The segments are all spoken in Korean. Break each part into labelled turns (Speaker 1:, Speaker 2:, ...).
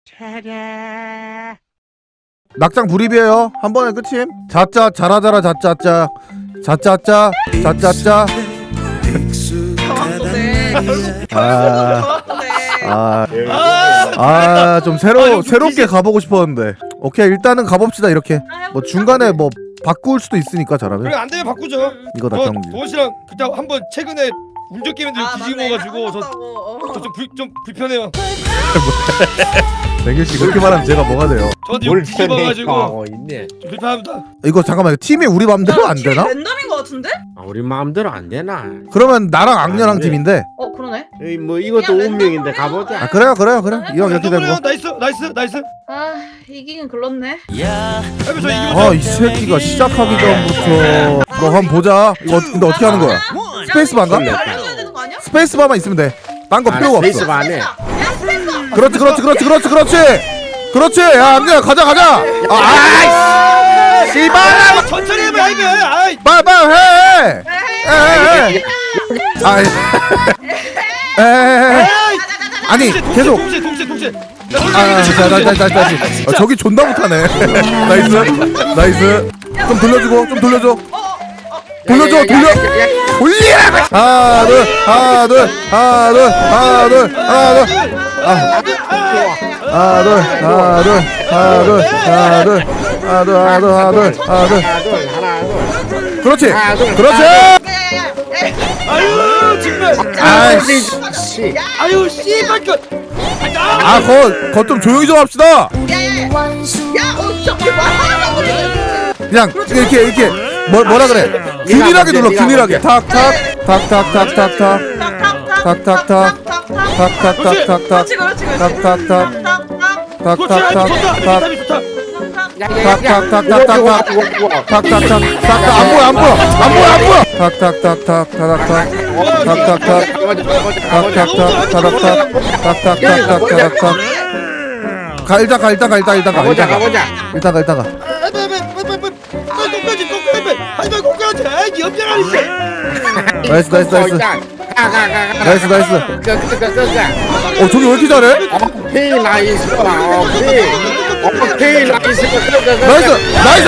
Speaker 1: 낙장 불입이에요. 한 번에 끝임. 자짜 잘하자라 자짜짜 자짜짜 자짜짜. 좀 새롭게 가보고 싶었는데. 오케이, 일단은 가봅시다. 이렇게 뭐 중간에 뭐 바꿀 수도 있으니까 잘하면.
Speaker 2: 그래, 안 되면 바꾸죠.
Speaker 1: 이거 낙장.
Speaker 2: 도시랑 그때 한번 최근에 운전 게임들 뒤지고 먹어가지고 좀 불편해요.
Speaker 1: 댕규씨 그렇게 말하면 제가 뭐가 돼요?
Speaker 2: 저한테 뒤집어가지고
Speaker 3: 있네.
Speaker 2: 좀 불편합니다.
Speaker 1: 이거 잠깐만, 팀이 우리 맘대로 안 되나?
Speaker 4: 랜덤인 거 같은데?
Speaker 3: 아, 우리 마음대로 안 되나?
Speaker 1: 그러면 나랑 악녀랑
Speaker 3: 안 돼.
Speaker 1: 팀인데.
Speaker 4: 그러네.
Speaker 3: 에이, 뭐 이것도
Speaker 4: 그냥
Speaker 3: 운명인데
Speaker 4: 랜덤으로
Speaker 3: 가보자.
Speaker 1: 아 그래요. 이왕 이렇게 된 거.
Speaker 2: 나이스.
Speaker 4: 이기긴 글렀네.
Speaker 1: 이 새끼가 시작하기 전부터. 그럼 한번 보자. 이거 근데 어떻게 하는 거야? 스페이스바인가?
Speaker 4: 알려줘야 되는 거 아니야?
Speaker 1: 스페이스바만 있으면 돼. 딴 거 필요가 없어.
Speaker 3: 스페이스바 안 해.
Speaker 1: 그렇지. 야, 악녀야, 가자. 아이씨. 씨발.
Speaker 2: 천천히 해봐 이거. 아이.
Speaker 1: 빨리 해. 아니 계속.
Speaker 2: 동시에.
Speaker 1: 다시. 저기 존나 못하네. 나이스. 좀 돌려주고. 돌려. 그렇지.
Speaker 2: 아유 정말.
Speaker 3: 아이씨.
Speaker 2: 아유 씨발 거.
Speaker 1: 거 좀 조용히 좀 합시다.
Speaker 4: 어떻게 말하라고 그래?
Speaker 1: 그냥 이렇게 뭐라 그래? 균일하게 눌러. 탁탁. 안 보여. 일단 가. 일단 가. 나이스. 저기 왜 이렇게 잘해?
Speaker 3: 오케이 나이스.
Speaker 1: 나이스.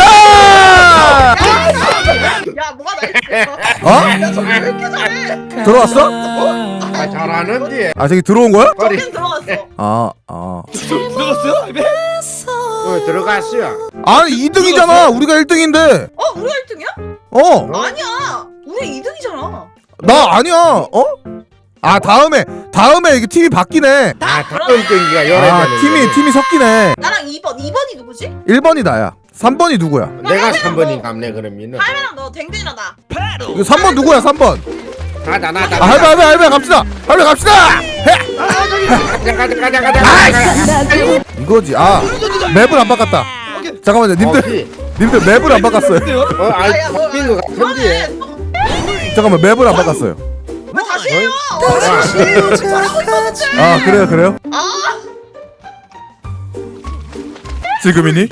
Speaker 4: 야, 뭐가 나이스? 야, 저기 왜 이렇게 잘해?
Speaker 1: 들어왔어?
Speaker 3: 아, 잘하는데.
Speaker 1: 저기 들어온 거야?
Speaker 4: 저긴 들어갔어.
Speaker 2: 들어갔어요?
Speaker 3: 들어갔어요.
Speaker 1: 아니 2등이잖아. 우리가 1등인데.
Speaker 4: 우리가 1등이야? 아니야. 우리 2등이잖아.
Speaker 1: 나 아니야. 다음에 이게 팀이 바뀌네.
Speaker 3: 다음 경기가 열애되는.
Speaker 1: 팀이 섞이네.
Speaker 4: 나랑 2번이 누구지?
Speaker 1: 1번이 나야. 3번이 누구야?
Speaker 3: 내가 3번인 감네 그러면은.
Speaker 4: 할매랑 너 댕댕이랑 나.
Speaker 1: 이거 3번 누구야? 3번.
Speaker 3: 나다.
Speaker 1: 할배 갑시다.
Speaker 3: 가자.
Speaker 1: 이거지. 맵을 안 바꿨다. 잠깐만요. 님들 맵을 안 바꿨어요.
Speaker 3: 바뀐 거 같은데.
Speaker 1: 잠깐만, 맵을 안 바꿨어요.
Speaker 4: 왜 다시 해요? 잘하고 있었는데.
Speaker 1: 그래요? 지금이니?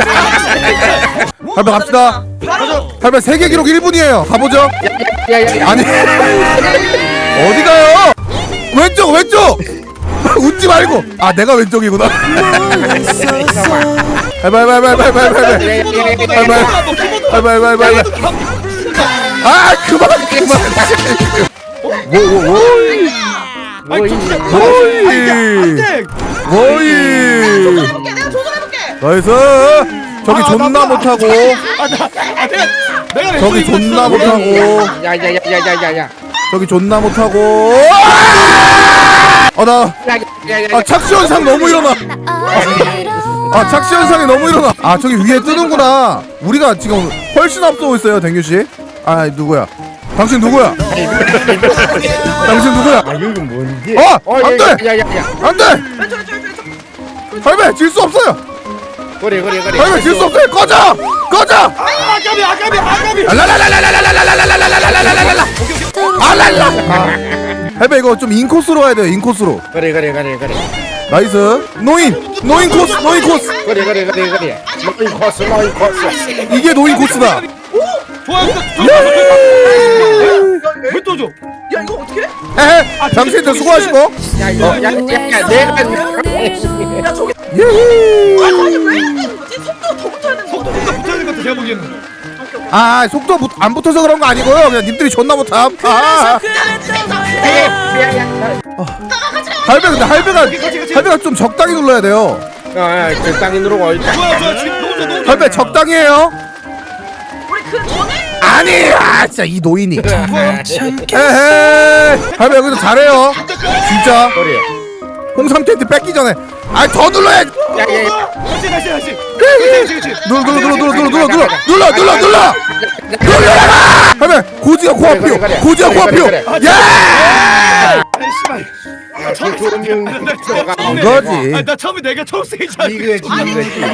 Speaker 1: 할배 갑시다. 할배 세계 기록 1분이에요. 가보죠. 아니 어디 가요? 왼쪽. 웃지 말고. 내가 왼쪽이구나. 할배. 그만.
Speaker 4: 내가 조절해볼게.
Speaker 1: 나이스. 저기 존나 못하고. 저기 존나 못하고.
Speaker 3: 야야야야야야.
Speaker 1: 저기 존나 못하고. 착시 현상 너무 일어나. 착시 현상이 너무 일어나. 저기 위에 뜨는구나. 우리가 지금 훨씬 앞서고 있어요, 댕규 씨. 누구야? 당신 누구야? 당신 누구야?
Speaker 3: 여기 뭔데?
Speaker 1: 안 돼!
Speaker 3: 야야야.
Speaker 1: 안 돼! 할배 질 수 없어요.
Speaker 3: 그래.
Speaker 1: 할배 질 수 없어요. 꺼져!
Speaker 2: 아까비.
Speaker 1: 알랄라. 할배 이거 좀 인코스로 가야 돼요. 인코스로.
Speaker 3: 그래.
Speaker 1: 나이스. 노인 코스.
Speaker 3: 그래. 노인 코스.
Speaker 1: 이게 노인 코스다.
Speaker 2: 좋아요. 왜또 줘?
Speaker 4: 야, 이거 어떻게 해?
Speaker 1: 당신들 수고하시고.
Speaker 3: 야야야 내가
Speaker 4: 야, 저기
Speaker 1: 예히.
Speaker 4: 아니 왜 이러는 거지? 속도가 더 붙어야 되는 거
Speaker 2: 속도
Speaker 4: 같아.
Speaker 2: 붙어야 될것 같아 제가 보기에는.
Speaker 4: 오케이 오케이.
Speaker 1: 아 속도 안 붙어서 그런 거 아니고요. 그냥 님들이 존나 못함. 할배 근데 할배가 좀 적당히 눌러야 돼요.
Speaker 3: 적당히 누르고 있다.
Speaker 2: 좋아 지금 너무
Speaker 1: 할배 적당히 해요.
Speaker 4: 우리 그 전에
Speaker 1: 아니 진짜 이 노인이.
Speaker 2: 좋아.
Speaker 1: 에헤. 할배 여기서 잘해요. 진짜.
Speaker 3: 그래.
Speaker 1: 홍삼 텐트 뺏기 전에. 더 눌러야지.
Speaker 3: 야야야.
Speaker 2: 다시. 그렇지.
Speaker 1: 눌러. 할배 고지가 코앞이요.
Speaker 3: 그래.
Speaker 1: 고지가 코앞이요.
Speaker 3: 그래.
Speaker 1: 야.
Speaker 2: 아이 씨발.
Speaker 1: 이거지.
Speaker 2: 나 처음에 내가 처음 세이지 않고.
Speaker 3: 이게 진짜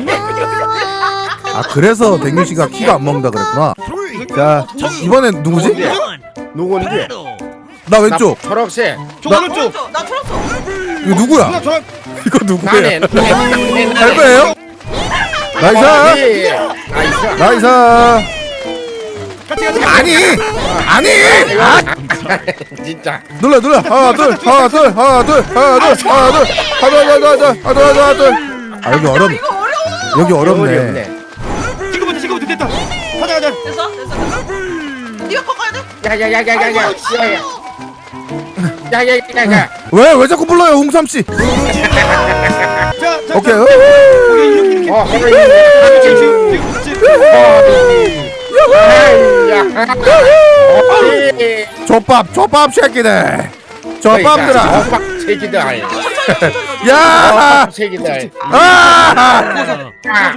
Speaker 1: 아 그래서 댕규 씨가 키가 안 먹는다 그랬구나. 자 이번엔 누구지?
Speaker 3: 누군지?
Speaker 1: 나 왼쪽.
Speaker 3: 초록색.
Speaker 2: 저 오른쪽.
Speaker 4: 나 틀었어.
Speaker 1: 이거 누구야?
Speaker 2: 누나 저랑
Speaker 1: 이거 누구야?
Speaker 3: 나네.
Speaker 1: 할배예요? 나이스. 나이스.
Speaker 2: 같이.
Speaker 1: 아니.
Speaker 3: 진짜.
Speaker 1: 눌러. 하나 둘. 아 여기 어렵.
Speaker 4: 이거 어려워.
Speaker 1: 여기 어렵네.
Speaker 2: 지금부터 됐다. 가자.
Speaker 4: 됐어. 네가 꺾어야 돼.
Speaker 3: 야야야야야야. 야야야야야.
Speaker 1: 왜 자꾸 불러요 홍삼 씨?
Speaker 2: 자.
Speaker 1: 오케이.
Speaker 2: 이렇게.
Speaker 3: 어,
Speaker 1: 족밥 새끼들. 족밥들아.
Speaker 3: 새끼들.
Speaker 1: 야.
Speaker 3: 새끼들.
Speaker 1: 아.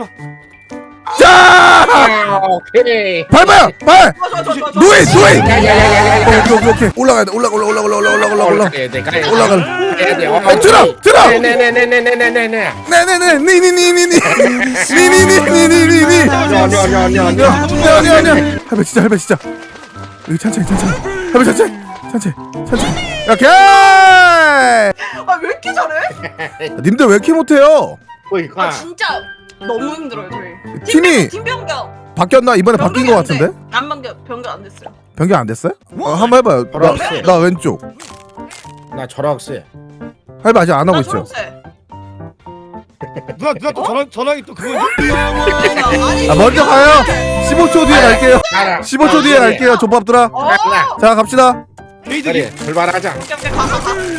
Speaker 1: 자.
Speaker 3: 오케이.
Speaker 1: 밟아요. 발.
Speaker 4: 좋아.
Speaker 1: 누이.
Speaker 3: 야야야야야.
Speaker 1: 오케이. 올라가야 돼. 올라가. 올라가.
Speaker 3: 들어.
Speaker 1: 들어.
Speaker 3: 네네네네네네네.
Speaker 1: 네네네. 니니니니니. 니니니니니니. 아니야. 할배 진짜. 여기 천천히. 할배 천천히. 오케이.
Speaker 4: 아왜 이렇게 잘해?
Speaker 1: 님들 왜 이렇게 못해요?
Speaker 4: 아 진짜 너무 힘들어요 저희.
Speaker 1: 팀이
Speaker 4: 팀 변경.
Speaker 1: 바뀌었나? 이번에 바뀐 거 같은데?
Speaker 4: 안 변경 안 됐어요.
Speaker 1: 변경 안 됐어요? 한번 해봐요. 나 왼쪽.
Speaker 3: 나 초록색.
Speaker 1: 할배 아직 안 하고
Speaker 4: 나
Speaker 1: 있죠?
Speaker 4: 초록색.
Speaker 2: 누나 또 전화기 또 그거.
Speaker 4: 아니.
Speaker 1: 아 먼저 가요. 15초 뒤에 갈게요.
Speaker 3: 가라.
Speaker 1: 15초 뒤에 갈게요. 족밥들아.
Speaker 3: 가라.
Speaker 1: 자 갑시다.
Speaker 2: 게이득이.
Speaker 3: 그래. 출발하자.
Speaker 4: 오케이 가.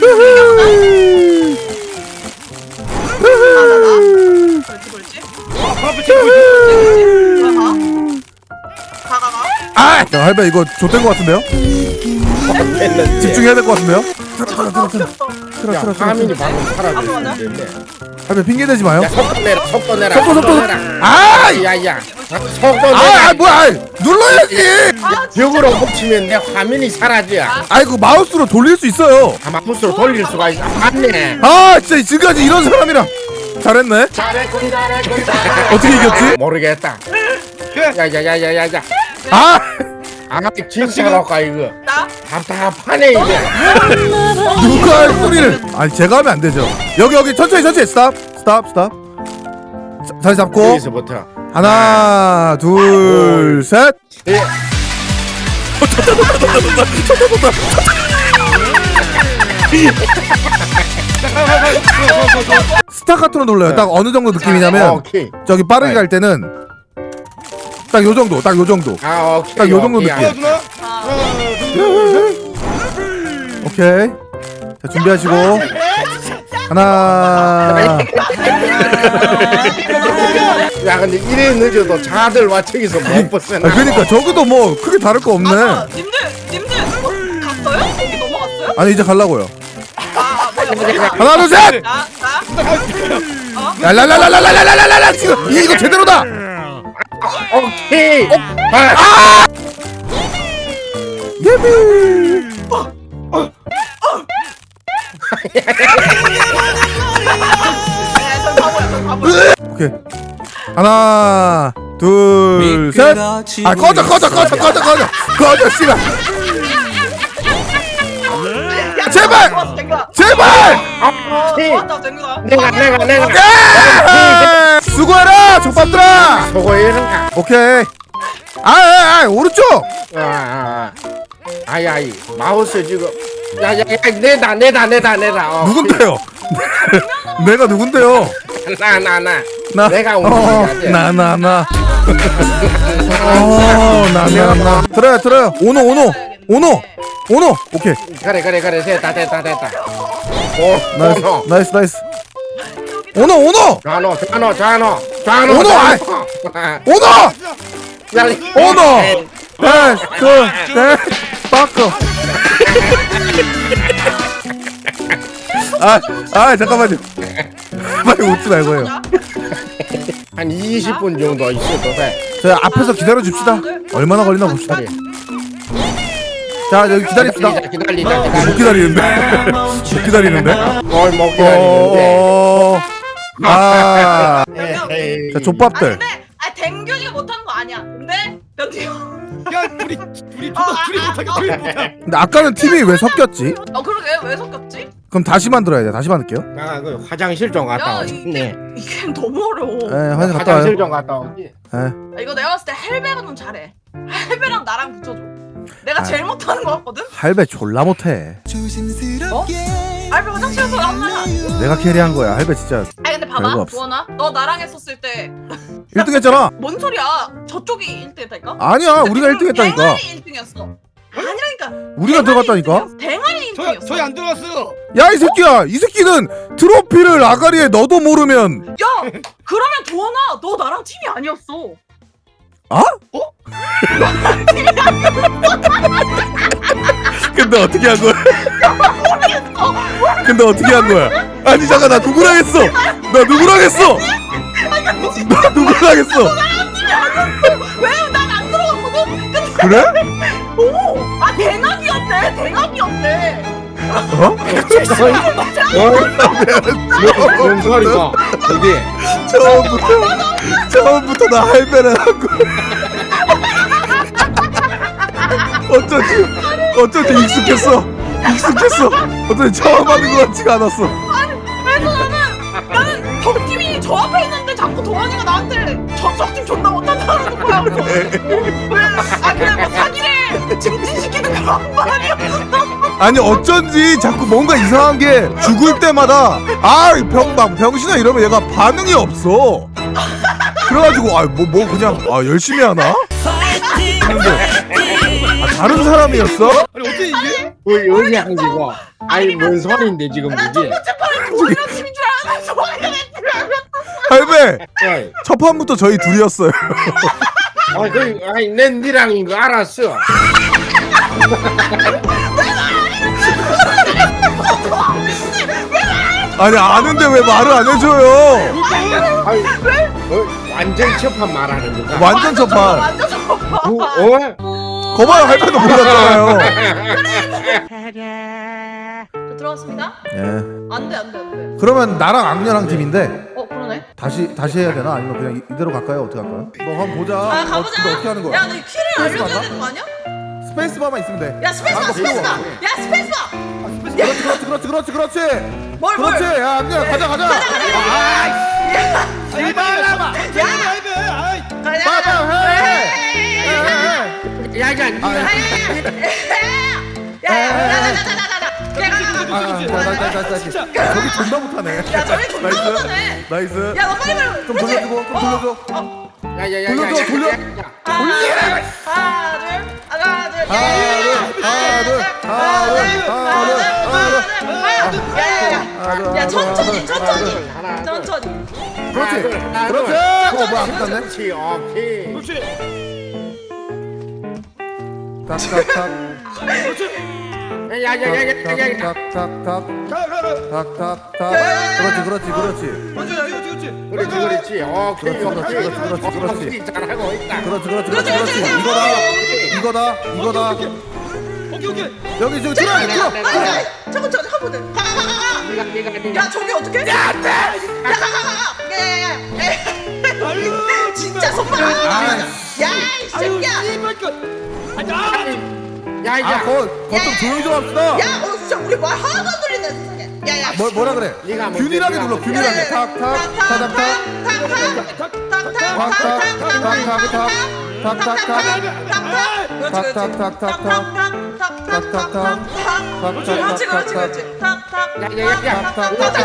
Speaker 4: 그렇지.
Speaker 2: 앞에 찍고 있어.
Speaker 4: 가.
Speaker 1: 아! 야, 할배 이거 좆된 거 같은데요? 집중해야 될 거 같은데요?
Speaker 3: 야, 하민이 방금 사라졌는데.
Speaker 1: 할배 핑계 대지 마요.
Speaker 3: 야, 속도 내라.
Speaker 1: 속도. 아!
Speaker 3: 야야. 속도
Speaker 1: 아,
Speaker 3: 내라.
Speaker 1: 뭐야? 눌러야지.
Speaker 3: 벽으로 붙이면 내 화면이 사라져.
Speaker 1: 아이고 마우스로 돌릴 수 있어요.
Speaker 3: 아마 부스로 돌릴 수가 있어. 맞네.
Speaker 1: 아, 진짜 지금까지 이런 사람이랑 잘했네. 어떻게 이겼지?
Speaker 3: 모르겠다.
Speaker 2: 그래.
Speaker 3: 야야야야야야.
Speaker 1: 아!
Speaker 3: 아, 진짜로 가 이거.
Speaker 4: 나.
Speaker 3: 답답하네 이제.
Speaker 1: 누가 할 소리를? 아니 제가 하면 안 되죠. 여기 천천히 스탑. 자리 잡고
Speaker 3: 여기서부터.
Speaker 1: 하나, 둘, 셋.
Speaker 3: 예.
Speaker 1: 스타카토로 눌러요. 딱 어느 정도 느낌이냐면
Speaker 3: 오케이.
Speaker 1: 저기 빠르게 갈 때는 딱 요 정도.
Speaker 3: 아, 오케이.
Speaker 1: 딱 요 정도
Speaker 3: 오케이.
Speaker 1: 느낌.
Speaker 2: 누나.
Speaker 1: 오케이. 자 준비하시고 하나.
Speaker 3: 야, 근데 이래 늦어도 자들 와 저기서 못 벗어나.
Speaker 1: 그러니까 저기도 뭐 크게 다를 거 없네.
Speaker 4: 맞아. 님들 갔어요? 거기 넘어갔어요?
Speaker 1: 아니 이제 갈라고요.
Speaker 4: 뭐야.
Speaker 1: 하나 둘 셋.
Speaker 4: 나.
Speaker 1: 랄랄랄랄랄랄랄랄랄 지금 이거 제대로다.
Speaker 3: 오케이.
Speaker 1: 예비.
Speaker 4: 전 바보야.
Speaker 1: 오케이. 하나, 둘, 셋. 아 꺼져 씨발. 제발. 제발.
Speaker 4: 좋았다 쟁구다.
Speaker 3: 내가.
Speaker 1: 야! 수고해라 족밥들아.
Speaker 3: 저거에는가.
Speaker 1: 오케이. 아 오른쪽.
Speaker 3: 아야이 마우스 지금. 야야야 내다.
Speaker 1: 누군데요? 내가 누군데요?
Speaker 3: 나 내가 오늘
Speaker 1: 나나나 들어요 오노 오케이
Speaker 3: 그래 됐다
Speaker 1: 나이스 오노
Speaker 3: 좌노
Speaker 1: 오노, 아이. 오노 네 빠커 잠깐만요 빨리 웃지 말고요
Speaker 3: 한 20분 정도 있어도 돼.
Speaker 1: 저 앞에서 기다려 줍시다 얼마나 걸리나 봅시다 자 여기 기다립시다
Speaker 3: 기다리자
Speaker 1: 못 기다리는데 못 기다리는데
Speaker 3: 뭘 못 기다리는데.
Speaker 1: 자
Speaker 3: 에이.
Speaker 1: 족밥들
Speaker 4: 근데 댕균이가 못하는 거 아니야. 근데 변태 형.
Speaker 2: 야 둘이 못하게.
Speaker 1: 근데 아까는 팀이 왜 섞였지?
Speaker 4: 그러게 왜 섞였지?
Speaker 1: 그럼 다시 만들어야 돼 다시 만들게요
Speaker 3: 나 그 화장실 좀 갔다
Speaker 4: 야
Speaker 3: 오지.
Speaker 4: 이게 너무 어려워.
Speaker 1: 화장실 갔다 와요
Speaker 3: 화장실 좀 갔다 오지.
Speaker 4: 이거 내가 봤을 때 헬베가 좀 잘해. 헬베랑 나랑 붙여줘. 내가 제일 못하는 거 같거든?
Speaker 1: 할배 졸라 못해
Speaker 4: 할베 화장실에서 나왔나?
Speaker 1: 내가 캐리한 거야 할배 진짜
Speaker 4: 아니 근데
Speaker 1: 별거
Speaker 4: 봐봐
Speaker 1: 없어.
Speaker 4: 도원아 너 나랑 했었을 때
Speaker 1: 1등 했잖아
Speaker 4: 뭔 소리야 저쪽이 1등 했다니까?
Speaker 1: 아니야 우리가 1등 했다니까
Speaker 4: 댕아리 1등이었어 아니라니까
Speaker 1: 우리가 들어갔다니까
Speaker 4: 댕아리 1등이었어
Speaker 2: 저희 안 들어갔어요.
Speaker 1: 야 이 새끼야 이 새끼는 트로피를 아가리에 너도 모르면
Speaker 4: 야 그러면 도원아 너 나랑 팀이 아니었어
Speaker 1: 근데 어떻게 한 거야? 근데 어떻게 한 거야? 아니 잠깐 나 누구랑 했어? 나 누구랑 했어? 나 누구랑 했어?
Speaker 4: 왜 난 안 들어갔거든?
Speaker 1: 그래?
Speaker 4: 오아 댕학이었대
Speaker 1: 어?
Speaker 3: 뭔 소리가? 이게
Speaker 1: 처음부터 나 할배를 하고 어쩐지 익숙했어 어쩐지 처음 하는 것 같지가 않았어
Speaker 4: 그래서 나는 덕팀이 저 앞에 있는데 자꾸 도원이가 나한테 저쪽 팀 존나 못한다는 거야 그래 뭐 사기를 증진시키는 그런 말이었어
Speaker 1: 아니 어쩐지 자꾸 뭔가 이상한 게 죽을 때마다 병신아 이러면 얘가 반응이 없어 그래가지고 뭐 그냥 열심히 하나? 다른 사람이었어?
Speaker 2: 아니 어떻게 이게?
Speaker 3: 여기 한지고. 아니 뭔 소리인데 지금
Speaker 4: 나
Speaker 3: 이게?
Speaker 4: 정체판에 도원이랑 팀인 줄 알았는데 도원이가 내 팀이 아니었어
Speaker 1: 할배
Speaker 3: 어이.
Speaker 1: 첫 판부터 저희 둘이었어요
Speaker 3: 아니 난 니랑인 거 알았어.
Speaker 1: 아니 아는데 왜 말을 안 해줘요
Speaker 3: 아니, 완전 첫판 말하는 거가.
Speaker 1: 완전 첫판
Speaker 4: 완전 저거
Speaker 1: 거봐요 할배도 몰랐잖아요
Speaker 4: 저 들어갔습니다
Speaker 1: 예
Speaker 4: 안돼
Speaker 1: 그러면 나랑 악녀랑 팀인데
Speaker 4: 그러네
Speaker 1: 다시 해야 되나? 아니면 그냥 이대로 갈까요? 어떻게 할까요? 너 한번 보자
Speaker 4: 가보자
Speaker 1: 근데 어떻게 하는 거야?
Speaker 4: 야너 키를 알려줘야
Speaker 1: 맞나?
Speaker 4: 되는 거 아니야?
Speaker 1: 스페이스바만 있으면 돼
Speaker 4: 야 스페이스바
Speaker 1: 그렇지
Speaker 4: 뭘
Speaker 1: 그렇지 야 악녀야 가자
Speaker 2: 이발라봐.
Speaker 1: 진짜 저기 존나 못하네
Speaker 4: 야 저기 존나 못하네
Speaker 1: 나이스
Speaker 4: 야너 빨리 말해
Speaker 1: 좀 돌려주고 좀 돌려줘
Speaker 3: 야야야야.
Speaker 1: 돌려
Speaker 4: 야 천천히
Speaker 1: 그렇지 뭐야 안 끝났네
Speaker 3: 그렇지 오케이.
Speaker 1: 탁탁탁
Speaker 3: 야야야야야야.
Speaker 1: 탁탁탁 그렇지
Speaker 3: 그렇지 오케이
Speaker 1: 그렇지.
Speaker 3: 잘하고 있다.
Speaker 1: 그렇지 이거다
Speaker 2: 오케이.
Speaker 1: 여기 저기 들어
Speaker 4: 잠깐 한 번에
Speaker 3: 네가
Speaker 4: 야 저기 어떻게 야 안돼
Speaker 2: 아유
Speaker 4: 진짜 손발 야이 새끼야
Speaker 3: 야야.
Speaker 1: 거좀 조용히 좀 합시다
Speaker 4: 야 진짜 우리 말 하나도 안 들린다 세상에 야야
Speaker 1: 뭐라 그래
Speaker 3: 네가 먼저
Speaker 1: 균일하게
Speaker 3: 네가
Speaker 1: 눌러
Speaker 3: 먼저.
Speaker 1: 균일하게
Speaker 4: 그렇지 탁탁
Speaker 3: 야야야야.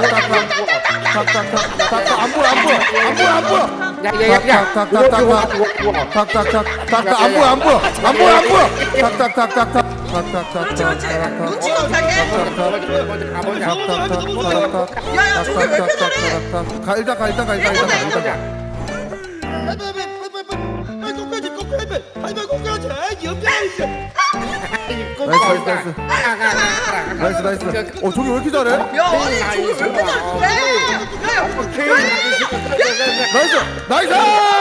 Speaker 1: 탁탁탁탁탁탁탁탁탁탁탁 안 보여 안 보여 안 보여 안 보여.
Speaker 3: 야야야.
Speaker 1: 탁탁탁탁탁탁탁탁탁 안 보여 안 보여 안 보여 안 보여. 탁탁탁탁탁
Speaker 4: 그렇지 그렇지 눈치 못하게 야야 저게 왜 이렇게 잘해
Speaker 1: 가 일단 가 일단 가 일단 가. 나이스 나이스. 저기 왜 이렇게 잘해?
Speaker 4: 야 아니 저게 왜 이렇게 잘해
Speaker 1: 나이스 나이스.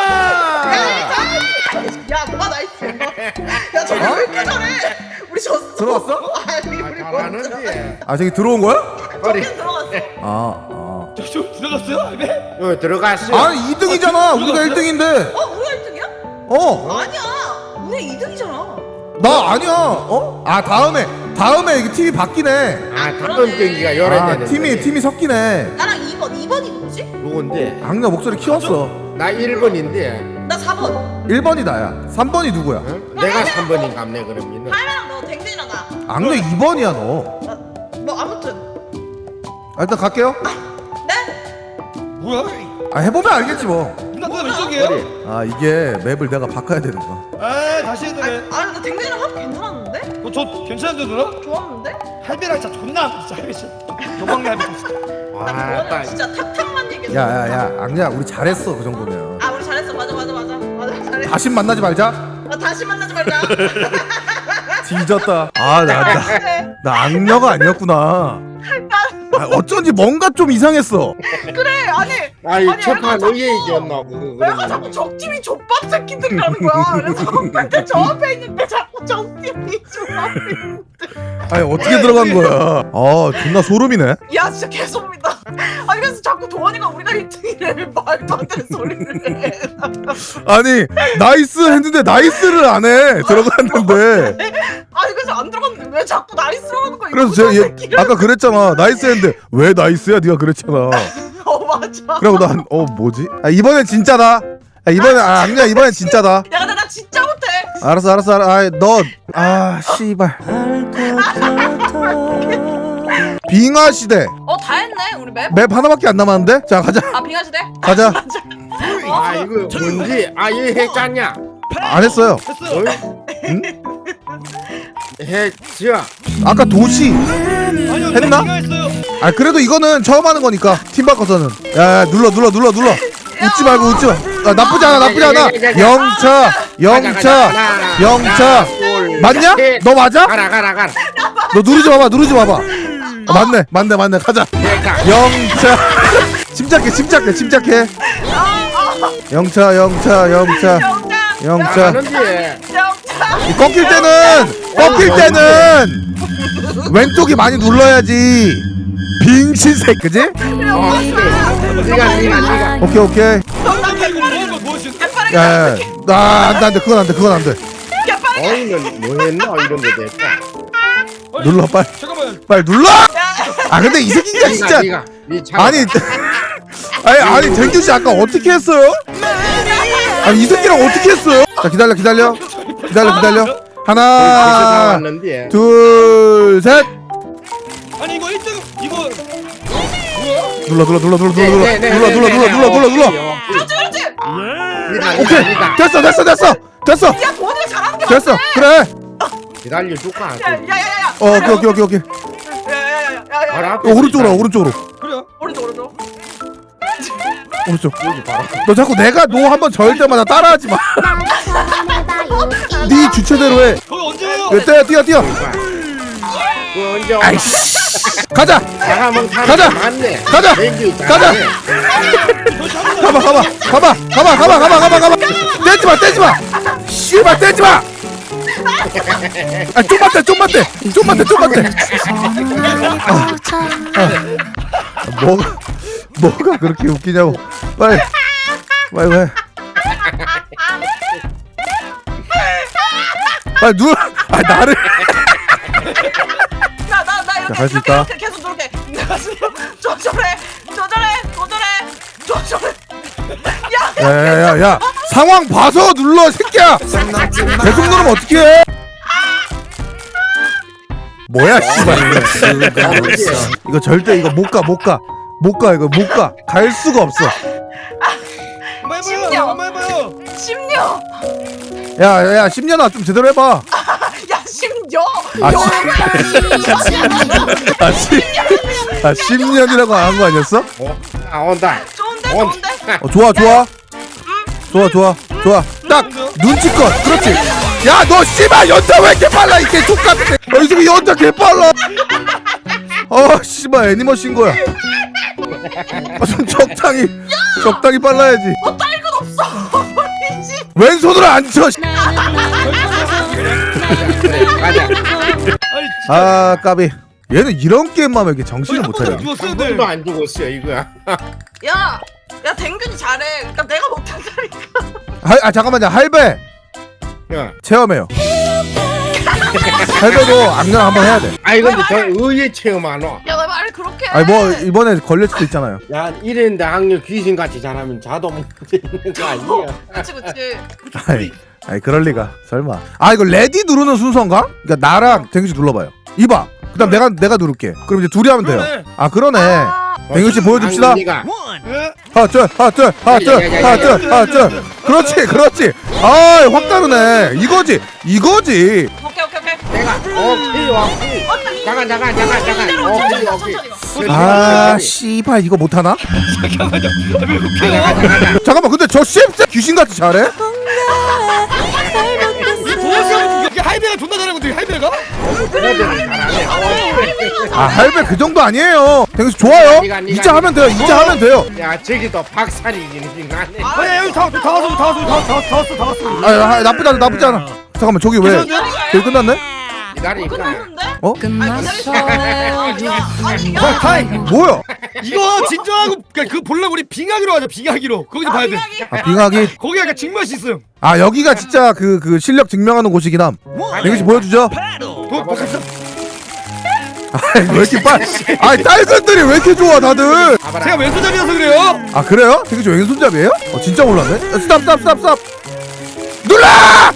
Speaker 4: 야 누가 나이스 야 저게 왜 이렇게 잘해 우리 졌어
Speaker 1: 들어왔어?
Speaker 4: 아니 우리
Speaker 3: 잘하는데.
Speaker 1: 아 저기 들어온 거야?
Speaker 3: 허리.
Speaker 4: 들어갔어
Speaker 1: 아.
Speaker 2: 저 들어갔어요? 할배?
Speaker 3: 요 들어갔어.
Speaker 1: 아니 2등이잖아. 우리가 1등인데.
Speaker 4: 우리가 1등이야?
Speaker 1: 어.
Speaker 4: 아니야 우리 2등이잖아
Speaker 1: 나 아니야. 어? 아 다음에 이게 팀이 바뀌네.
Speaker 3: 다음 경기가 열어야
Speaker 1: 아
Speaker 3: 되는데.
Speaker 1: 팀이 섞이네.
Speaker 4: 나랑 2번이 누구지?
Speaker 3: 누군데?
Speaker 1: 악녀 목소리 키웠어.
Speaker 3: 나 1번인데.
Speaker 4: 나 4번
Speaker 1: 1번이 나야. 3번이 누구야?
Speaker 3: 내가 3번인 감네 그러면은.
Speaker 4: 하이랑 너 댕댕이랑 나
Speaker 1: 악녀 2번이야 너.
Speaker 4: 뭐 아무튼
Speaker 1: 아, 일단 갈게요.
Speaker 4: 네?
Speaker 2: 뭐야?
Speaker 1: 아 해보면 알겠지 뭐.
Speaker 2: 누나 왼쪽이에요?
Speaker 3: 허리.
Speaker 1: 아 이게 맵을 내가 바꿔야 되는 거야.
Speaker 2: 아 다시 해도 돼.
Speaker 4: 아니 나 댕댕이랑 합 괜찮았는데?
Speaker 2: 저 괜찮은데 누나?
Speaker 4: 좋았는데?
Speaker 2: 할배랑 진짜 존나 진짜 할배 진짜 도망가 할배 진짜.
Speaker 3: 와,
Speaker 4: 나 그거는
Speaker 3: 딱.
Speaker 4: 진짜 탁탁만 얘기했어
Speaker 1: 야야야 악녀 우리 잘했어 그 정도면.
Speaker 4: 아 우리 잘했어 맞아 잘했어
Speaker 1: 다시 만나지 말자.
Speaker 4: 다시 만나지 말자
Speaker 1: 뒤졌다. 나 악녀가 아니었구나. 아, 어쩐지 뭔가 좀 이상했어.
Speaker 4: 그래 아니
Speaker 3: 아이 첫판 의외이겼나 그거
Speaker 4: 내가
Speaker 3: 그러면.
Speaker 4: 자꾸 적팀이 족밥 새끼들이라는 거야 그래서 근데 저 앞에 있는데 자꾸 적팀이 족밥
Speaker 1: 아니 어떻게 들어간 거야? 아 존나 소름이네.
Speaker 4: 야 진짜 개소름이다 아니 그래서 자꾸 도원이가 우리가 1등이래 말도 안 되는 소리를 해
Speaker 1: 아니 나이스 했는데 나이스를 안 해. 들어갔는데.
Speaker 4: 아니 그래서 안 들어갔는데 왜 자꾸 나이스로 하는 거야
Speaker 1: 그래서 제가 아까 그랬잖아. 나이스 했는데 왜 나이스야? 네가 그랬잖아.
Speaker 4: 맞아
Speaker 1: 그리고 난 뭐지? 아 이번엔 진짜다. 아 이번엔 악녀 이번엔 진짜다.
Speaker 4: 야 근데 나 진짜 못해
Speaker 1: 알았어. 아 씨발. 빙하 시대.
Speaker 4: 다 했네 우리 맵?
Speaker 1: 맵 하나밖에 안 남았는데? 자 가자.
Speaker 4: 빙하시대?
Speaker 1: 가자.
Speaker 3: 아 이거 뭔지 이거 했잖냐?
Speaker 1: 안 했어요.
Speaker 2: 됐어요.
Speaker 1: 응?
Speaker 3: 했죠.
Speaker 1: 아까 도시.
Speaker 2: 아니요
Speaker 1: 했나?
Speaker 2: 내가 했어요.
Speaker 1: 아 그래도 이거는 처음 하는 거니까 팀 바꿔서는. 야 눌러. 웃지 말고 웃지 마. 아, 나쁘지 않아. 영차. 맞냐? 너 맞아?
Speaker 3: 가라.
Speaker 1: 너 누르지 마봐. 맞네. 가자. 영차. 침착해. 영차.
Speaker 3: 하는데.
Speaker 1: 이 꺾일 때는 왼쪽이 많이 눌러야지. 빙신색 그지?
Speaker 3: 네가.
Speaker 1: 오케이.
Speaker 2: 이거 뭐 보여주세요.
Speaker 1: 야, 안돼. 그건 안돼.
Speaker 3: 어이는 뭐 했나 이런 거 됐다.
Speaker 1: 눌러
Speaker 2: 잠깐만.
Speaker 1: 빨리 눌러. 아 근데 이 새끼가 진짜 아니 댕규 씨 아까 어떻게 했어요? 아니 이 새끼랑 어떻게 했어요? 자 기다려. 하나,
Speaker 3: 나왔는데.
Speaker 1: 둘, 셋.
Speaker 2: 아니 이거 1등 이거 뭐야?
Speaker 1: 눌러. 오케이. 됐어.
Speaker 4: 야 도원이가 잘하는 게
Speaker 1: 됐어.
Speaker 4: 맞네
Speaker 1: 그래.
Speaker 3: 기다려줄까?
Speaker 4: 야야야야
Speaker 1: 오케이.
Speaker 4: 야야야야야
Speaker 1: 오른쪽으로.
Speaker 2: 그래요?
Speaker 4: 오른쪽
Speaker 1: 오른쪽. 너 자꾸 내가 노 한번 절 때마다 따라하지 마. 네 주체대로 해.
Speaker 2: 거기 언제예요?
Speaker 1: 뛰어.
Speaker 3: 그 언제
Speaker 1: 아이씨. 가자.
Speaker 3: 나가면
Speaker 1: 가자.
Speaker 3: 맞네.
Speaker 1: 가자. 가봐. 떼지 마. 씨발 떼지 마. 아 좀만 떼. 뭐가 그렇게 웃기냐고. 빨리. 빨리 누워. 아 나를.
Speaker 4: 나
Speaker 1: 할 수
Speaker 4: 이렇게
Speaker 1: 있다.
Speaker 4: 계속 누르게 조절해
Speaker 1: 야. 상황 봐서 눌러 새끼야. 계속 누르면 어떡해? 뭐야 씨발 이거 절대 이거 못 가 이거 못 가 갈 수가 없어.
Speaker 2: 한번 해봐요.
Speaker 4: 심지어.
Speaker 2: 한번 해봐요.
Speaker 4: 심려.
Speaker 1: 야 10년아 좀 제대로 해봐.
Speaker 4: 야 심려.
Speaker 1: 아, 10년이라고 안 한 거 아니었어?
Speaker 3: 온다.
Speaker 4: 좋은데
Speaker 3: 온.
Speaker 4: 좋은데.
Speaker 1: 좋아. 딱 눈치껏. 그렇지. 야 너 씨발 연타 왜 이렇게 빨라 이게 족같은. 이 새끼 연타 개 빨라. 씨발 애니머신 거야. 좀 적당히 빨라야지.
Speaker 4: 너 딸근 없어. 이씨.
Speaker 1: 왼손으로 안 쳐.
Speaker 3: 가자.
Speaker 2: 아니 진짜.
Speaker 1: 아 까비. 얘는 이런 게임만 하면 이렇게 정신을 못 차려.
Speaker 2: 죽었어요,
Speaker 3: 한
Speaker 2: 네.
Speaker 3: 번도 안 죽었어요 이거야.
Speaker 4: 야 댕균이 잘해. 그러니까 내가 못한다니까.
Speaker 1: 잠깐만요. 할배
Speaker 3: 야.
Speaker 1: 체험해요. 할배도 악령 한번 해야 돼.
Speaker 3: 아이 근데 저 의외 체험 안 와.
Speaker 4: 야 나 말 그렇게 해.
Speaker 1: 아니 뭐 이번에 걸릴 수도 있잖아요.
Speaker 3: 야 이랬는데 악녀 귀신같이 잘하면 자동 문제 있는 거 아니야?
Speaker 4: 그치.
Speaker 1: 아니 그럴 리가 설마. 이거 레디 누르는 순서인가? 그러니까 나랑 댕규 씨 눌러봐요. 이봐. 그다음 내가 누를게. 그럼 이제 둘이 하면 돼요.
Speaker 2: 그러네.
Speaker 1: 그러네. 댕규 씨 보여줍시다.
Speaker 3: 악녀가
Speaker 2: 예?
Speaker 1: 하나. 그렇지. 확 다르네. 이거지.
Speaker 4: 오케이.
Speaker 3: 내가 오케이. 잠깐. 오케이.
Speaker 1: 씨발 이거 못하나?
Speaker 2: 잠깐만요. 왜 웃겨요?
Speaker 3: 가자.
Speaker 1: 잠깐만 근데 저 씹새 귀신같이 잘해?
Speaker 2: 도시락 이게 할배가 존나 잘하는 건데 할배가?
Speaker 1: 할배 그 정도 아니에요. 댕규 씨 좋아요.
Speaker 3: 네가
Speaker 1: 이제 하면 돼요.
Speaker 3: 야 저기도 박살이긴 하네.
Speaker 2: 아니 여기 다 왔어.
Speaker 1: 나쁘지 않아. 잠깐만 저기 왜? 저기 끝났네?
Speaker 3: 기다리니까.
Speaker 1: 어?
Speaker 2: 타이.
Speaker 1: 뭐야?
Speaker 2: 이거 진정하고 그 보려고 우리 빙하기로 하자. 빙하기로. 거기서 봐야 돼.
Speaker 1: 빙하기.
Speaker 2: 거기 약간 직맛이 있음.
Speaker 1: 여기가 진짜 그 실력 증명하는 곳이긴 함. 댕규 씨 보여주죠.
Speaker 2: 먹겠어.
Speaker 1: 왜 이렇게 딸근들이 왜 이렇게 좋아 다들?
Speaker 2: 제가 왼손잡이라서 그래요.
Speaker 1: 그래요? 댕규 씨 왼손잡이에요? 진짜 몰랐네. 스탑. 눌러!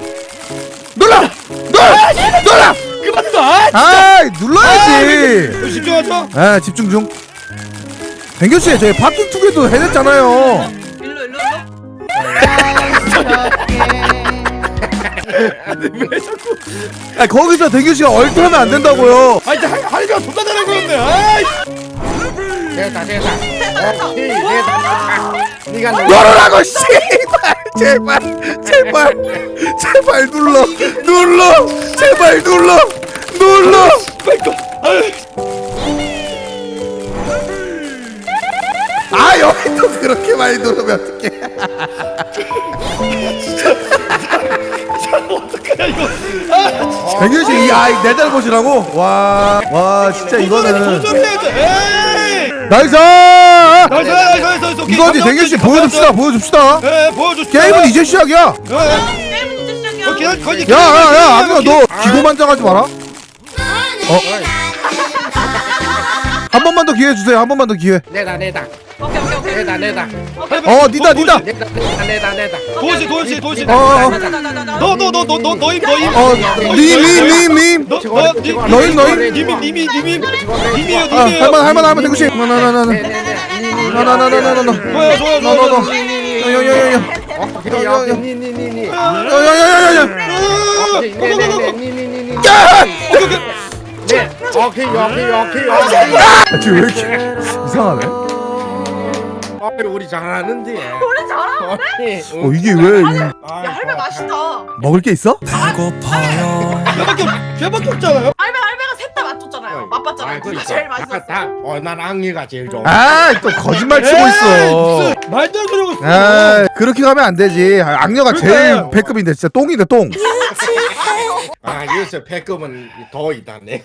Speaker 2: 그만 놔.
Speaker 1: 눌러야지.
Speaker 2: 집중하죠.
Speaker 1: 집중 중. 댕규 씨 저희 파킹 투게도 해냈잖아요.
Speaker 4: 일로.
Speaker 2: 왜 자꾸?
Speaker 1: 거기서 댕규 씨가 얼트하면 안 된다고요.
Speaker 2: 할배가 존나 잘하는 거였네. 아이.
Speaker 3: 됐다. 오케이 됐다. 네가
Speaker 1: 열어라고 씨발 제발 눌러 제발 눌러 여기 또 그렇게 많이 누르면 어떡해.
Speaker 2: 어떡하냐 이거.
Speaker 1: 댕규 씨 내 잘못이라고? 와 진짜 이거는
Speaker 2: 도전해야 돼.
Speaker 1: 나이스.
Speaker 2: 나이스.
Speaker 1: 이거지. 댕규 씨 보여줍시다.
Speaker 2: 네, 보여주시죠.
Speaker 1: 게임은 이제 시작이야.
Speaker 4: 게임은 이제 시작이야.
Speaker 2: 거기
Speaker 1: 야야야 악녀 너 기고만장하지 마라. 한 번만 더 기회 주세요. 한 번만 더 기회.
Speaker 3: 내다.
Speaker 4: 오케이.
Speaker 3: 내다.
Speaker 1: 니다.
Speaker 2: 도시.
Speaker 1: 님. 너임.
Speaker 2: 님이요.
Speaker 1: 할만 댕규 씨. 나나나나나나나.
Speaker 2: 좋아요.
Speaker 1: 야야야야야.
Speaker 3: 오케이.
Speaker 1: 지금 왜 이렇게 이상하네?
Speaker 3: 우리 잘하는데.
Speaker 4: 우리 잘하는데?
Speaker 1: 이게 왜
Speaker 4: 야 할배 맛있다.
Speaker 1: 먹을 게 있어?
Speaker 2: 걔밖에 없잖아요.
Speaker 4: 할배가 셋 다 맞췄잖아요. 맛봤잖아요. 누가 제일 맛있었어?
Speaker 3: 난 악녀가 제일 좋아.
Speaker 1: 또 거짓말 치고 있어.
Speaker 2: 말도 안 되는 거.
Speaker 1: 그렇게 가면 안 되지. 악녀가 제일
Speaker 2: 그러니까요.
Speaker 1: 배급인데 진짜 똥이네 똥.
Speaker 3: 여기서 배꼽은 더 있다네.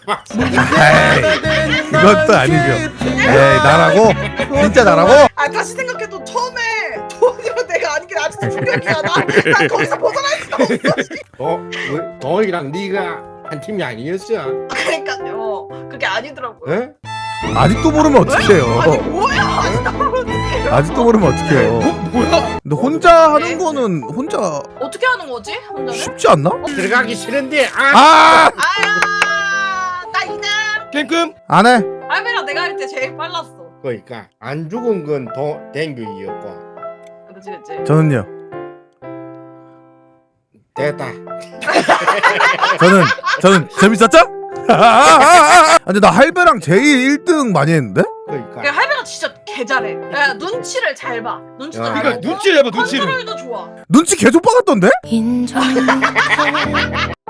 Speaker 1: 이것도 아니죠. 나라고? 진짜 나라고?
Speaker 4: 다시 생각해도 처음에 돈이면 내가 아닌 게 아직도 충격이야. 나 거기서 벗어날 수가 없어.
Speaker 3: 더이랑 네가 한 팀이 아니었어.
Speaker 4: 그러니까요. 그게 아니더라고요.
Speaker 3: 에?
Speaker 1: 아직도 모르면 어떡해요.
Speaker 4: 아니 뭐야? 아직도 모르는데.
Speaker 1: 아직도 모르면 어떡해요.
Speaker 2: 뭐야?
Speaker 1: 근데 혼자 하는 거는 혼자
Speaker 4: 어떻게 하는 거지? 혼자는?
Speaker 1: 쉽지 않나?
Speaker 3: 들어가기 싫은데.
Speaker 1: 아!
Speaker 4: 아야 나 이제
Speaker 2: 깽끔?
Speaker 1: 안 해.
Speaker 4: 할배랑 내가 할 때 제일 빨랐어.
Speaker 3: 그러니까 안 죽은 건 댕규이었고
Speaker 4: 그치 그치.
Speaker 1: 저는요.
Speaker 3: 됐다.
Speaker 1: 저는 재밌었죠? 근데 나 할배랑 제일 1등 많이 했는데?
Speaker 3: 그러니까
Speaker 4: 야, 할배가 진짜 개 잘해. 야, 눈치를 잘 봐. 눈치도
Speaker 3: 야,
Speaker 4: 잘
Speaker 2: 그러니까
Speaker 4: 보고
Speaker 2: 눈치를 해봐 눈치를.
Speaker 4: 컨트롤도 좋아.
Speaker 1: 눈치 개조 빠갔던데?
Speaker 5: 인정